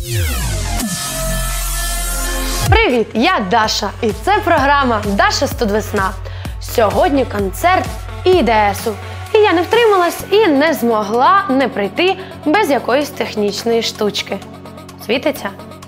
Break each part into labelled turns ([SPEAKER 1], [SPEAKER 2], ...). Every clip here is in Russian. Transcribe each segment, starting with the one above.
[SPEAKER 1] Привіт, я Даша, і це програма «Даша Студвесна». Сьогодні концерт ІДСу. І я не втрималась і не змогла не прийти без якоїсь технічної штучки. Світиться?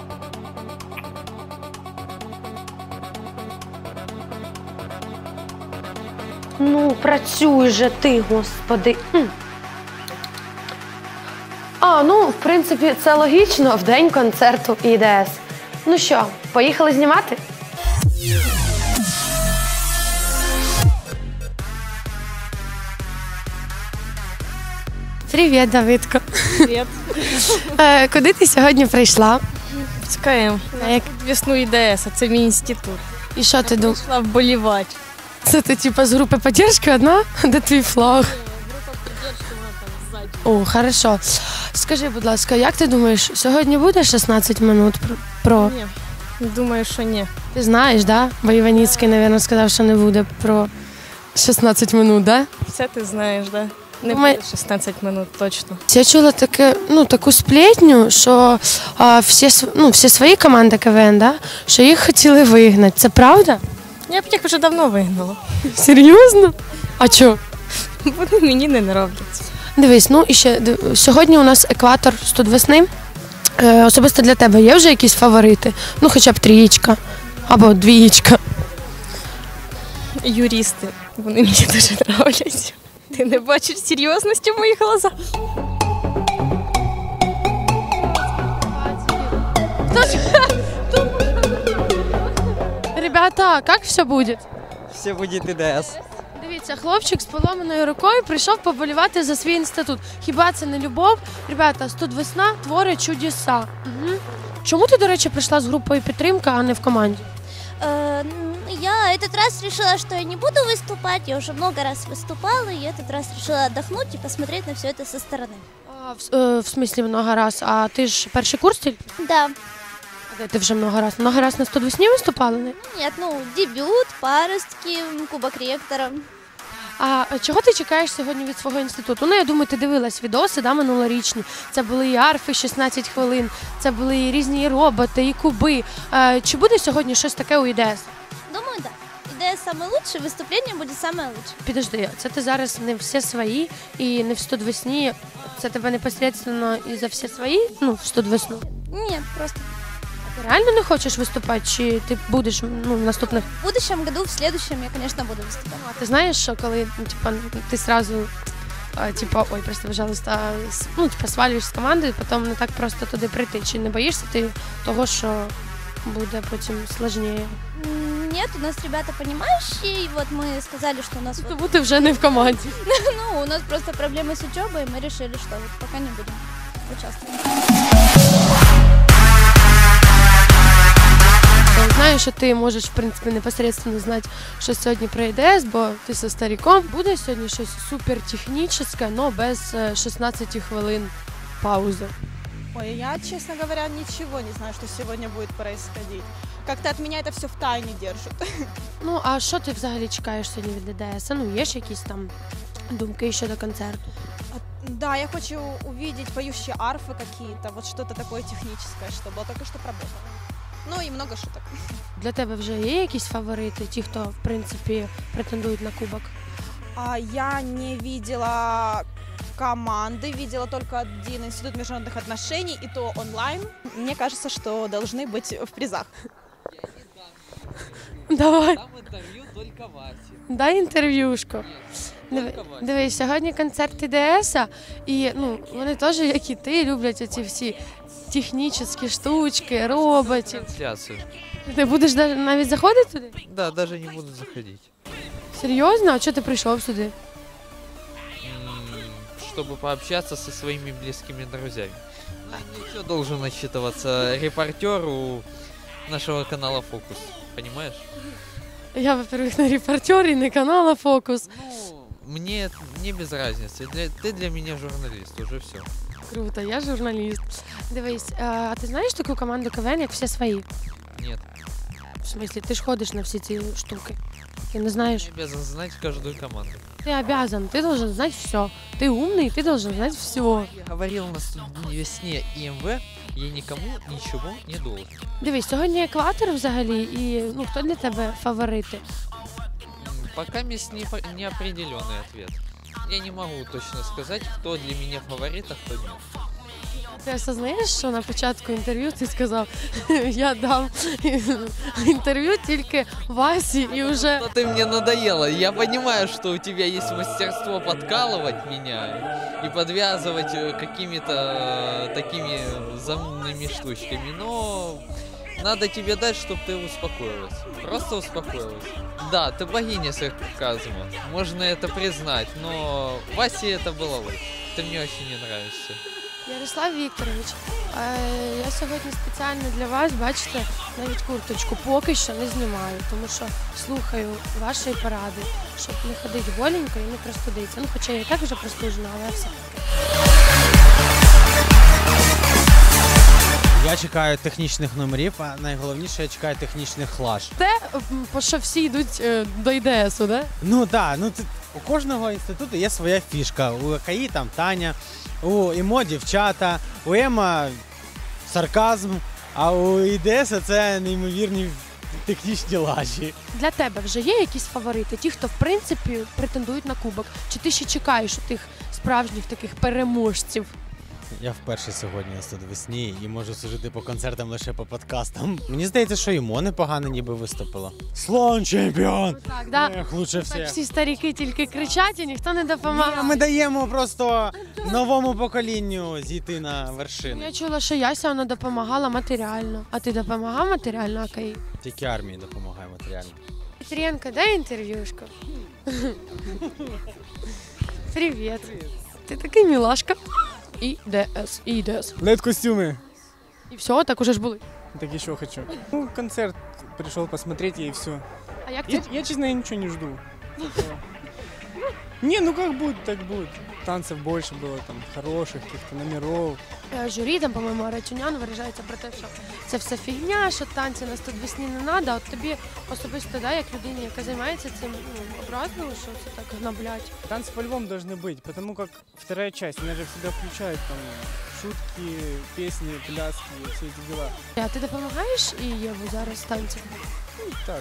[SPEAKER 1] Ну, працюй же ти, господи. Ну, в принципі, це логічно в день концерту ІДС. Ну що, поїхали знімати? Привіт, Давидко.
[SPEAKER 2] Привіт.
[SPEAKER 1] Куди ти сьогодні прийшла?
[SPEAKER 2] З КМ. Весну ІДС, а це мій інститут.
[SPEAKER 1] І що ти думаєш?
[SPEAKER 2] Прийшла вболівати.
[SPEAKER 1] Це ти типу з групи підтримки одна? Де твій флаг?
[SPEAKER 2] Група підтримки, вона там ззаді.
[SPEAKER 1] О, хорошо. Скажи, будь ласка, як ти думаєш, сьогодні буде 16 минут про...
[SPEAKER 2] Ні, думаю, що ні.
[SPEAKER 1] Ти знаєш, да? Бо Іваніцький, мабуть, сказав, що не буде про 16 минут, да?
[SPEAKER 2] Все ти знаєш, да? Не
[SPEAKER 1] Думаю-
[SPEAKER 2] буде 16 минут, точно.
[SPEAKER 1] Я чула таку сплетню, що всі свої команди КВН, да? Що їх хотіли вигнати. Це правда?
[SPEAKER 2] Я б їх вже давно вигнала.
[SPEAKER 1] Серйозно? А чого?
[SPEAKER 2] Вони мені не нравляться.
[SPEAKER 1] Дивись, і ще сьогодні у нас екватор Студвесни. Особисто для тебе є вже якісь фаворити? Ну, хоча б 3 або 2.
[SPEAKER 2] Юристи, вони мені дуже нравляться. Ти не бачиш серйозності в моїх глазах?
[SPEAKER 1] Ребята, як все буде?
[SPEAKER 3] Все будет ИДС.
[SPEAKER 1] Дивіться, хлопчик з поломаною рукою прийшов поболівати за свій інститут. Хіба це не любов? Ребята, Студвесна творить чудеса. Угу. Чому ти, до речі, прийшла з групою підтримка, а не в команді?
[SPEAKER 4] Я этот раз решила, что я не буду выступать. Я уже много раз выступала, и этот раз решила отдохнуть и посмотреть на все это со стороны.
[SPEAKER 1] В смислі много раз. А ти ж перший курс тільки?
[SPEAKER 4] Да.
[SPEAKER 1] А де ти вже много раз? Много раз на Студвесні виступали? Не?
[SPEAKER 4] Нет, дебют, паростки, Кубок ректора.
[SPEAKER 1] А чого ти чекаєш сьогодні від свого інституту? Ну, я думаю, ти дивилась відоси, да, минулорічні. Це були і арфи 16 хвилин, це були і різні і роботи, і куби. Чи буде сьогодні щось таке у ІДС?
[SPEAKER 4] Думаю, да. ИДС самый лучший, выступление будет самое лучшее.
[SPEAKER 1] Підожди, це ти зараз не всі свої і не в Студвесні. Це тебе непосредственно і за всі свої, в Студвесну?
[SPEAKER 4] Нет, просто
[SPEAKER 1] Ти реально не хочеш виступати, чи ти будеш в наступних?
[SPEAKER 4] в будущем году, в следующем я, конечно, буду выступать.
[SPEAKER 1] А ти знаєш, що коли ти сразу ой, прости, пожалуйста, свалюєш з команди, потім не так просто туди прийти. Чи не боїшся ти того, що буде потім складніше?
[SPEAKER 4] Нет, у нас ребята понимающие, и вот мы сказали, что у нас
[SPEAKER 1] Тому ти вже не в команді.
[SPEAKER 4] у нас просто проблемы с учебой, и мы решили, что пока не будем участвовать.
[SPEAKER 1] Знаю, що ти можеш, в принципі, непосредственно знати, що сьогодні про ІДС, бо ти зі стариком. Буде сьогодні щось супертехнічне, але без 16 хвилин паузи.
[SPEAKER 5] Ой, я, честно говоря, ничего не знаю, что сегодня будет происходить. Как-то от меня это все в тайне держат.
[SPEAKER 1] Ну, а що ти взагалі чекаєш сьогодні від ІДС? Є ж якісь там думки щодо концерту?
[SPEAKER 5] Да, я хочу увидеть поющие арфы какие-то, вот что-то такое техническое, что было только что проработано. Ну и много шуток.
[SPEAKER 1] Для тебе вже є якісь фаворити, ті, хто, в принципі, претендують на кубок?
[SPEAKER 5] Я не видела команды, видела только один институт международных отношений, и то онлайн. Мне кажется, что должны быть в призах.
[SPEAKER 1] Давай.
[SPEAKER 3] Там интервью только Васе.
[SPEAKER 1] Дай інтерв'юшку. Дивись, сьогодні концерт ІДС, і вони теж, як і ти, люблять оці всі технічні штучки, роботів.
[SPEAKER 3] Трансляцию.
[SPEAKER 1] Ти будеш навіть заходити туди?
[SPEAKER 3] Да, даже не буду заходить.
[SPEAKER 1] Серйозно? А чого ти прийшов сюди?
[SPEAKER 3] Чтобы пообщаться со своими близкими друзьями. Ничего должен отчитываться репортеру нашего канала «Фокус». Понимаешь?
[SPEAKER 1] Я, во-первых, не репортер і не канала «Фокус».
[SPEAKER 3] Мне не без разницы. Ты для меня журналист, уже все.
[SPEAKER 1] Круто, я журналіст. Дивись, а ти знаєш таку команду КВН, як «Всі свої»?
[SPEAKER 3] Нет.
[SPEAKER 1] В смысле, ти ж ходиш на всі ці штуки? Ты не знаешь?
[SPEAKER 3] Я обязан знать каждую команду.
[SPEAKER 1] Ты обязан, ты должен знать все. Ты умный, ты должен знать все.
[SPEAKER 3] Я говорил на студийной весне ИМВ, я никому ничего не должен.
[SPEAKER 1] Дивись, сьогодні екватор взагалі, і ну, хто для тебе фаворити?
[SPEAKER 3] Пока неопределенный ответ. Я не могу точно сказать, кто для меня фаворит, а кто нет.
[SPEAKER 1] Ти осознаєш, що на початку інтерв'ю ти сказав, я дам інтерв'ю тільки Васі і вже...
[SPEAKER 3] Но ты мне надоела. Я понимаю, что у тебя есть мастерство подкалывать меня и подвязывать какими-то такими заумными штучками, но надо тебе дать, чтобы ты успокоилась. Просто успокоилась. Да, ты богиня сарказма. Можно это признать, но Васе это было лучше. Ты мне очень не нравишься.
[SPEAKER 1] Ярослав Вікторович, я сьогодні спеціально для вас, бачите, навіть курточку поки що не знімаю, тому що слухаю вашої поради, щоб не ходити голенько і не простудитися. Ну, хоча я і так вже простужена, але все.
[SPEAKER 6] Я чекаю технічних номерів, а найголовніше, я чекаю технічних лаж.
[SPEAKER 1] Те, по що всі йдуть до ІДСу, да?
[SPEAKER 6] Ну так, у кожного інституту є своя фішка. У КАІ там Таня, у ІМО дівчата, у ЕМА сарказм, а у ІДС це неймовірні технічні лажі.
[SPEAKER 1] Для тебе вже є якісь фаворити? Ті, хто, в принципі, претендують на кубок? Чи ти ще чекаєш у тих справжніх таких переможців?
[SPEAKER 6] Я вперше сьогодні на студвесні і можу судити по концертам лише по подкастам. Мені здається, що ІМО непогано ніби виступило. Слон чемпіон!
[SPEAKER 1] Так, да?
[SPEAKER 6] Ех, лучше
[SPEAKER 1] Так
[SPEAKER 6] всіх.
[SPEAKER 1] всі старіки тільки кричать і ніхто не допомагає.
[SPEAKER 6] Ми даємо просто новому поколінню зійти на вершину.
[SPEAKER 1] Я чула, що Яся вона допомагала матеріально. А ти допомагав матеріально АКІ?
[SPEAKER 6] Тільки армії допомагає матеріально.
[SPEAKER 1] Петренко, дай інтерв'юшку. Привіт. Ти такий мілашка. ІДС.
[SPEAKER 7] Лед-костюмы.
[SPEAKER 1] І все, так уже ж були.
[SPEAKER 7] Так еще хочу. Ну, концерт пришел посмотреть и все.
[SPEAKER 1] А як ти?
[SPEAKER 7] Я, честно, я ничего не жду. Не, ну как будет, так будет. Танцев больше было, там, хороших, каких-то номеров.
[SPEAKER 1] Журі, там, по-моєму, Арачунян виражається про те, що це все фігня, що танці на студвесні не треба. От тобі особисто, да, як людині, яка займається цим, образливо, що це так гноблять.
[SPEAKER 7] Танцы по-любому должны быть, потому как вторая часть, она же всегда включает там шутки, песни, пляски, все эти дела.
[SPEAKER 1] А ти допомагаєш і Єву зараз танцям?
[SPEAKER 7] Ну, так.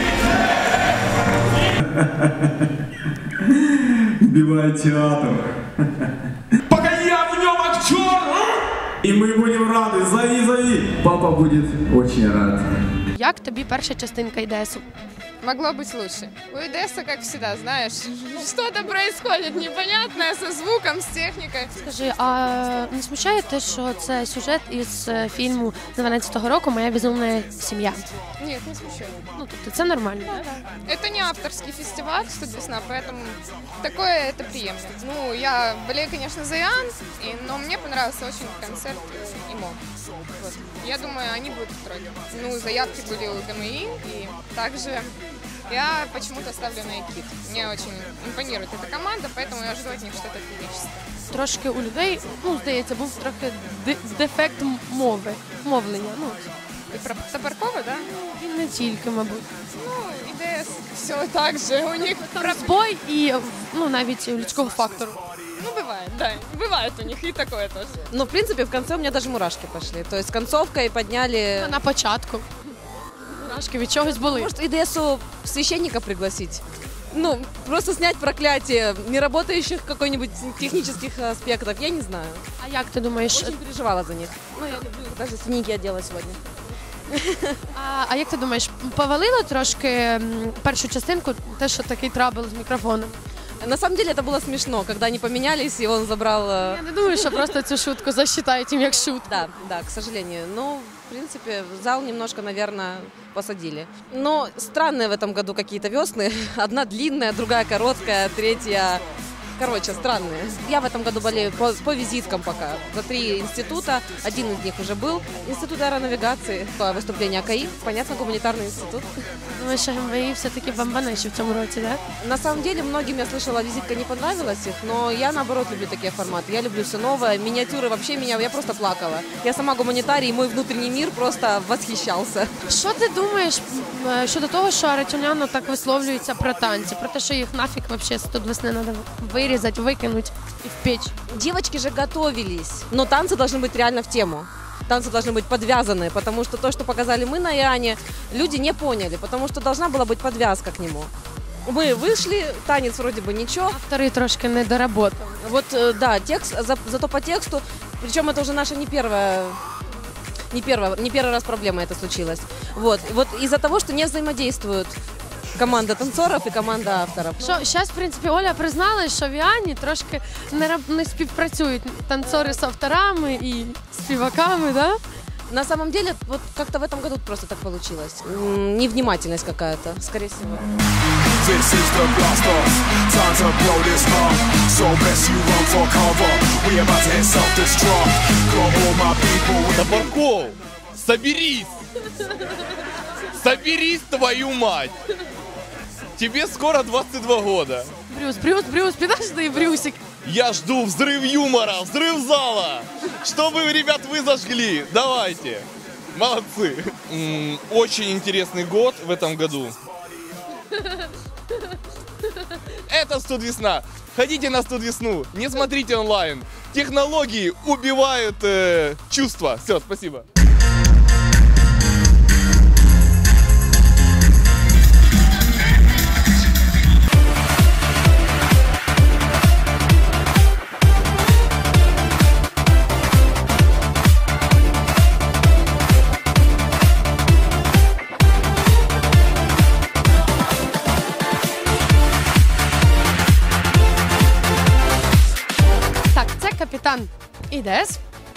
[SPEAKER 8] Убивает театр. Пока я в нем актер! И мы будем рады. Зови. Папа будет очень рад.
[SPEAKER 1] Як тобі перша частинка ІДСу?
[SPEAKER 2] Могло быть лучше. У ИДСа, как всегда, знаешь, что-то происходит непонятное со звуком, с техникой.
[SPEAKER 1] Скажи, а не смущає те, що це сюжет із фільму 12-го року «Моя безумна сім'я»?
[SPEAKER 2] Нет, не смущает.
[SPEAKER 1] Ну, тобто це нормально, да?
[SPEAKER 2] Это не авторский фестиваль «Студвесна», поэтому такое это приемлемо. Ну, я болею, конечно, за Иоанн, но мне понравился очень концерт ИМО. Вот. Я думаю, они будут в тройке. Ну, заявки были у ДМИ, и также я почему-то ставлю на ЭКИД. Мне очень импонирует эта команда, поэтому я жду от них что-то феерическое.
[SPEAKER 1] Трошки у людей, ну, здається, був трохи дефект мовлення. Ну,
[SPEAKER 2] И про Топоркова, да?
[SPEAKER 1] він не тільки, мабуть.
[SPEAKER 2] Ну, ИДС все так же, у них
[SPEAKER 1] Збой і, ну, навіть людського фактору.
[SPEAKER 2] Ну, бывает, да, бывает у них и такое тоже.
[SPEAKER 9] Ну, в принципе, в конце у меня даже мурашки пошли. То есть концовкой подняли...
[SPEAKER 1] На початку. Мурашки від чогось були.
[SPEAKER 9] Может, ИДСу священника пригласить? Ну, просто снять проклятие неработающих какой-нибудь технических аспектов, я не знаю.
[SPEAKER 1] А як ти думаєш?
[SPEAKER 9] Очень переживала за них. Ну, я люблю, даже синяки одела сегодня.
[SPEAKER 1] А як ти думаєш, повалило трошки першу частинку, те, що такий трабл з мікрофоном?
[SPEAKER 9] На самом деле это было смешно, когда они поменялись, и он забрал...
[SPEAKER 1] Я не думаю, що просто цю шутку засчитають їм як шутку.
[SPEAKER 9] Да, к сожалению. Но, в принципе, зал немножко, наверное, посадили. Но странные в этом году какие-то весны. Одна длинная, другая короткая, третья короче, странные. Я в этом году болею по визиткам пока. За 3 института, один из них уже был. Институт аэронавигации, выступление АКАИ, понятно, гуманитарный институт.
[SPEAKER 1] Думаю, що МВІ все-таки бомбанеші в цьому році, да?
[SPEAKER 9] На самом деле, многим, я слышала, визитка не понравилась их, но я, наоборот, люблю такие форматы. Я люблю все новое, миниатюры вообще я просто плакала. Я сама гуманитарий, и мой внутренний мир просто восхищался.
[SPEAKER 1] Що ти думаєш щодо того, що Аратюняно так висловлюється про танці, про те, що їх нафіг вообще 100 весни треба вирізати, викинути і в печь?
[SPEAKER 9] Девочки же готовились, но танцы должны быть реально в тему. Танцы должны быть подвязаны, потому что то, что показали мы на Иоанне, люди не поняли, потому что должна была быть подвязка к нему. Мы вышли, танец вроде бы ничего.
[SPEAKER 1] Автори трошки не доработали.
[SPEAKER 9] Вот, да, текст, зато по тексту, причем это уже наша не первый раз проблема это случилось. Вот из-за того, что не взаимодействуют команда танцоров і команда авторів.
[SPEAKER 1] Зараз, в принципі, Оля призналась, що в Іоанні трошки не співпрацюють танцори з авторами і співаками, да?
[SPEAKER 9] На самом деле, вот как-то в этом году просто так получилось. Невнимательность какая-то, скорее всего.
[SPEAKER 10] This is the blast off, time to blow this up. So best you run for cover, we about to hit self-destruct. Got all my people.
[SPEAKER 11] Топорков, соберись! Соберись, твою мать! Тебе скоро 22 года.
[SPEAKER 1] Брюс, подожди, Брюсик.
[SPEAKER 11] Я жду взрыв юмора, взрыв зала. Чтобы, ребят, вы зажгли. Давайте. Молодцы. Очень интересный год в этом году. Это Студвесна. Ходите на Студвесну, не смотрите онлайн. Технологии убивают чувства. Все, спасибо.
[SPEAKER 1] Капітан ІДС.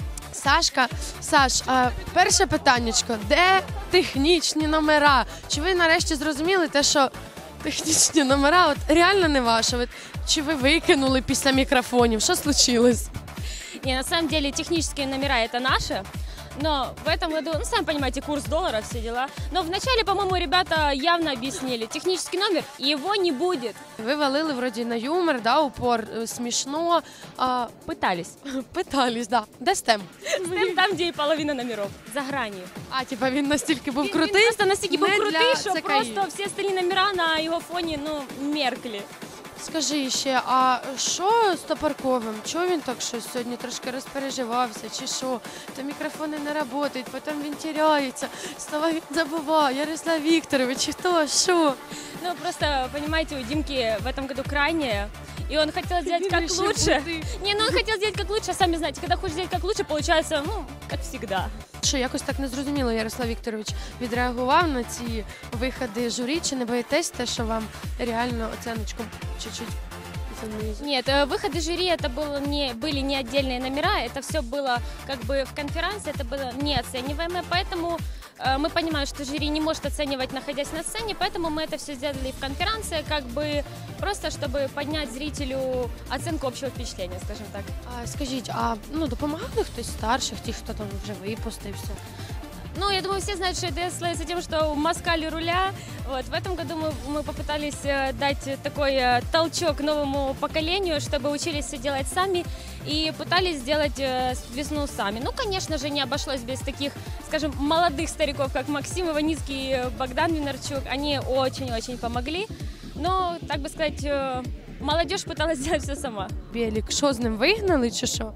[SPEAKER 1] Сашка. Саш, перше питаннячко. Де технічні номера? Чи ви нарешті зрозуміли те, що технічні номера от реально не ваші? Чи ви викинули після мікрофонів? Що случилось?
[SPEAKER 12] Не, на самом деле технические номера это наши. Но в этом году, ну, сами понимаете, курс доллара, все дела. Но вначале, по-моему, ребята явно объяснили. Технический номер, его не будет.
[SPEAKER 1] Ви валили вроді на юмор, да, упор, смішно.
[SPEAKER 12] Пытались.
[SPEAKER 1] Пытались, да. Де стем?
[SPEAKER 12] Стем там, где и половина номеров, за гранью.
[SPEAKER 1] А, типа він настільки був крутий?
[SPEAKER 12] Він просто настільки був крутий, що
[SPEAKER 1] ЦКІ.
[SPEAKER 12] просто всі остальні номера на його фоні, ну, меркли.
[SPEAKER 1] Скажи ще, а що з Топорковим? Чого він так щось сьогодні трошки розпереживався, чи що? То мікрофони не працюють, потім він теряється, слова він забуває, Ярослав Вікторович, хто, що?
[SPEAKER 12] Ну, просто, понимаете, у Димки в этом году крайнее, и он хотел сделать как лучше. Не, ну он хотел сделать как лучше, а сами знаете, когда хочешь сделать как лучше, получается, ну, как всегда.
[SPEAKER 1] Що, якось так незрозуміло Ярослав Вікторович відреагував на ці виходи журі, чи не боїтесь те, що вам реально оценочку чуть-чуть занизили?
[SPEAKER 12] Нет, выходы жюри это были не отдельные номера, это все было как бы в конференции, это было неоцениваемое, поэтому мы понимаем, что жюри не может оценивать, находясь на сцене, поэтому мы это все сделали в конференции, как бы просто, чтобы поднять зрителю оценку общего впечатления, скажем так.
[SPEAKER 1] Скажіть, а допомагали хтось старших, ті, хто там вже випустився?
[SPEAKER 12] Ну, я думаю, все знают, что ИДС славится тем, что москаль руля. Вот. В этом году мы попытались дать такой толчок новому поколению, чтобы учились все делать сами и пытались сделать весну сами. Ну, конечно же, не обошлось без таких, скажем, молодых стариков, как Максим Иваницкий и Богдан Винарчук. Они очень-очень помогли. Но, так бы сказать, молодежь пыталась сделать все сама.
[SPEAKER 1] Белик, що з ним вигнали, чи що?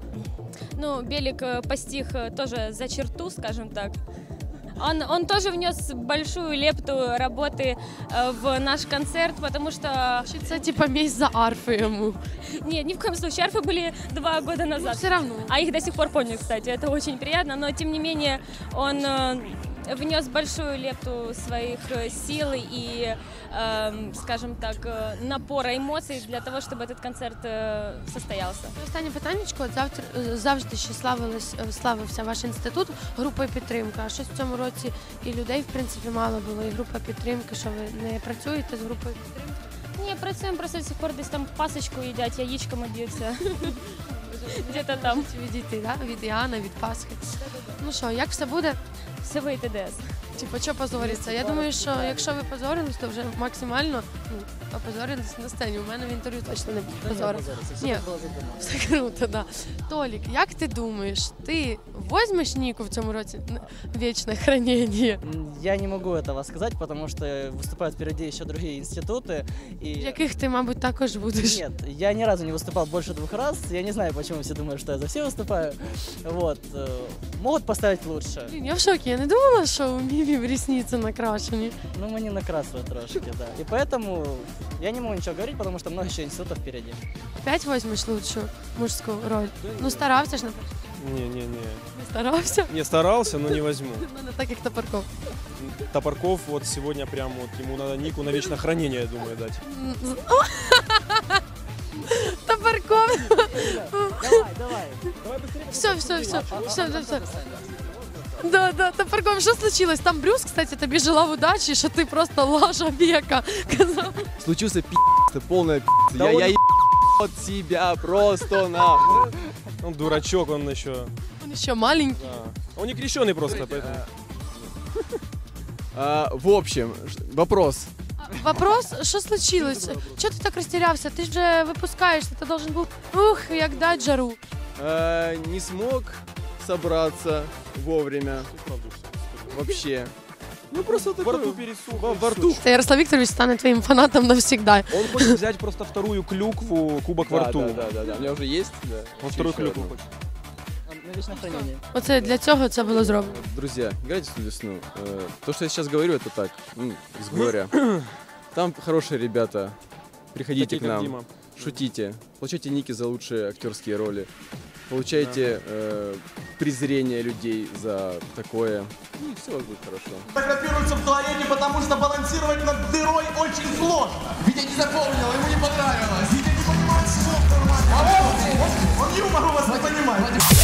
[SPEAKER 12] Ну, Белик постиг тоже за черту, скажем так. Он тоже внес большую лепту работы в наш концерт, потому что...
[SPEAKER 1] Это типа месть за арфы ему.
[SPEAKER 12] Нет, ни в коем случае. Арфы были 2 года назад.
[SPEAKER 1] Ну, все равно.
[SPEAKER 12] А их до сих пор помнят, кстати. Это очень приятно. Но, тем не менее, он внес большую лепту своих сил и, скажем так, напора эмоций для того, чтобы этот концерт состоялся.
[SPEAKER 1] Останнє питаннячко. Завжди ще славився ваш інститут групою підтримки. А щось в цьому році і людей, в принципі, мало було, і група підтримки. Що ви не працюєте з групою підтримки?
[SPEAKER 12] Не, працюємо, просто до сих пор десь там пасочку їдять, яєчками б'ються. Где-то там.
[SPEAKER 1] Відійти, да? Від Іоанна, від Пасхи. Ну що, як все буде?
[SPEAKER 12] Все вийде ДС.
[SPEAKER 1] Типу, що позориться? Я думаю, що якщо ви позорились, то вже максимально опозорились на сцені. У мене в інтерв'ю точно не позорились. Ні, все круто, да. Толік, як ти думаєш, ти візьмеш Ніку в цьому році вічне хранення?
[SPEAKER 13] Я не могу этого сказать, потому что выступают впереди еще другие институты. И...
[SPEAKER 1] В яких ти, мабуть, також будеш?
[SPEAKER 13] Нет, я ни разу не выступал больше 2 раз. Я не знаю, почему все думают, что я за все выступаю. Вот. Могут поставить лучше.
[SPEAKER 1] Блін, я в шокі, я не думала, що у Міві ресниці накрашені.
[SPEAKER 13] Ну, мы не накрасили трошки, да. И поэтому я не могу ничего говорить, потому что много еще институтов впереди.
[SPEAKER 1] Опять візьмеш лучшу мужську роль? Ну, старався ж, наприклад.
[SPEAKER 14] Не.
[SPEAKER 1] Не старався?
[SPEAKER 14] Не старался, но не возьму.
[SPEAKER 1] Ну, не так, як Топорков.
[SPEAKER 14] Топорков вот сегодня прям вот ему надо Нику на вечное хранение, я думаю, дать.
[SPEAKER 1] Топорков!
[SPEAKER 13] Давай.
[SPEAKER 1] Все. Да, Топорков, що случилось? Там Брюс, кстати, тобі желав удачі, що ти просто лажа века. Казав.
[SPEAKER 15] Случился пи***ц, полная пи***ц.
[SPEAKER 14] Да
[SPEAKER 15] Я от себя просто на.
[SPEAKER 14] Он дурачок, он еще...
[SPEAKER 1] Он ще маленький.
[SPEAKER 14] Да. Он не крещеный просто, поэтому...
[SPEAKER 15] В общем, вопрос.
[SPEAKER 1] Вопрос, що случилось? Чого ти так розтірявся? Ти ж вже випускаєшся, ти должен був, як дать жару.
[SPEAKER 15] Не смог собраться вовремя. Вообще. Ну просто такой...
[SPEAKER 14] Во рту пересух.
[SPEAKER 15] Во рту.
[SPEAKER 1] Це Ярослав Вікторович стане твоїм фанатом навсегда.
[SPEAKER 14] Он хочет взять просто вторую клюкву, кубок во рту.
[SPEAKER 15] Да. У меня уже есть. Да.
[SPEAKER 14] Он вторую клюкву хочет.
[SPEAKER 13] На вечное хранение.
[SPEAKER 1] Оце для цього це було зроблено.
[SPEAKER 15] Друзья, играйте в весну. То, что я сейчас говорю, это так, из горя. Там хорошие ребята. Приходите
[SPEAKER 14] такие,
[SPEAKER 15] к нам,
[SPEAKER 14] Дима.
[SPEAKER 15] шутите, получайте ники за лучшие актерские роли, получайте презрение людей за такое. И все у вас будет хорошо.
[SPEAKER 16] Фотографируется в туалете, потому что балансировать над дырой очень сложно. Витя не запомнил, ему не понравилось. Витя не понимает слов нормально. Он юмор у вас не понимает.